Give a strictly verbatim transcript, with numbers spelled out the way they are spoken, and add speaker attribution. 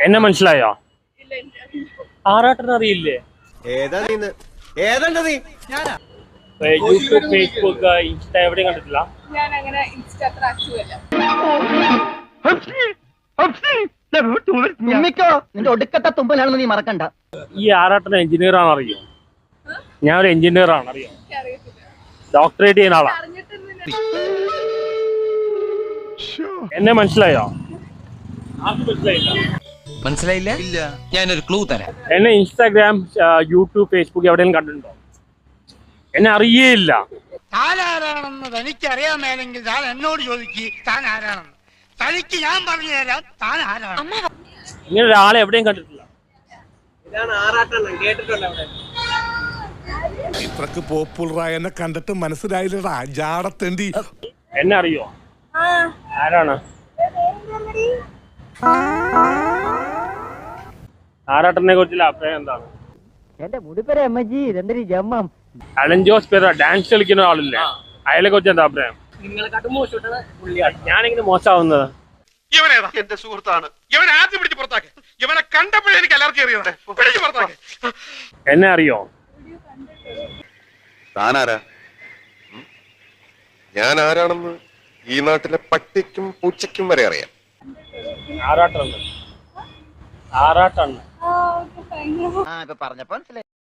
Speaker 1: എന്നെ മനസ്സിലായോ? ആറാട്ടൻ അറിയില്ലേ? യൂട്യൂബ്, ഫേസ്ബുക്ക്, ഇൻസ്റ്റ എവിടെയും കണ്ടിട്ടില്ല.
Speaker 2: ഞാൻ അങ്ങനെ ഇൻസ്റ്റ അത്ര ആക്റ്റീവ് അല്ല.
Speaker 3: നിന്റെ ഒടുക്കത്തെ തുമ്പലാണെന്ന് നീ മറക്കണ്ട.
Speaker 1: ഈ ആറാട്ടൻ എഞ്ചിനീയർ ആണ് അറിയോ? ഞാൻ ഒരു എഞ്ചിനീയർ ആണ് അറിയോ? ഡോക്ടറേറ്റ് ചെയ്യുന്ന ആളാ. എന്നെ മനസ്സിലായോ? മനസ്സിലായില്ല.
Speaker 4: മനസ്സിലായില്ല? ഇല്ല. ഞാനൊരു ക്ലൂ തരാം.
Speaker 1: എന്നെ ഇൻസ്റ്റാഗ്രാം, യൂട്യൂബ്, ഫേസ്ബുക്ക് എവിടെയും കണ്ടിട്ടുണ്ടോ? എന്നെ അറിയേയില്ല.
Speaker 5: താൻ ആരാണെന്ന് തനിക്ക് അറിയാമേലെങ്കിൽ താൻ എന്നോട് ചോദിക്കുക താൻ ആരാണെന്ന്. തനിക്ക് ഞാൻ പറഞ്ഞു തരാം താൻ ആരാണ്.
Speaker 1: ഇങ്ങനെ ഒരാളെ എവിടെയും കണ്ടിട്ടില്ല.
Speaker 6: ഇത്രക്ക് പോപ്പുലറായ എന്നെ കണ്ടിട്ട് മനസ്സിലായില്ലടാ ജാടത്തേണ്ടി.
Speaker 1: എന്നെ അറിയോ? ആരാണ്? ആറാട്ടനെ കുറിച്ചുള്ള അഭിപ്രായം എന്താണ്?
Speaker 3: എന്റെ മുടിപ്പര അമ്മജി ഇതെന്തൊരു ജമ്മം.
Speaker 1: അലൻ ജോസ് പേര് ഡാൻസ് കളിക്കുന്ന ആളില്ലേ, അയാളെ കുറിച്ച് എന്താ അഭിപ്രായം? ഞാനിങ്ങനെ മോശമാവുന്നത്.
Speaker 7: ഇവനേതാ? എന്റെ സുഹൃത്താണ്. ഇവൻ ആദ്യം പിടിച്ച് പുറത്താക്കി. ഇവനെ കണ്ടപ്പോഴേ എനിക്ക് അലർജി അറിയാതെ പിടിച്ച് പുറത്താക്കി.
Speaker 1: എന്നെ അറിയോ?
Speaker 8: താനാരാ? ഞാൻ ആരാണെന്ന് ഈ നാട്ടിലെ പട്ടിക്കും പൂച്ചയ്ക്കും വരെ അറിയാം.
Speaker 1: ആറാട്ടാണ്. ആറാട്ടാണ്.
Speaker 3: ആ ഇപ്പൊ പറഞ്ഞപ്പോ മനസ്സിലായി.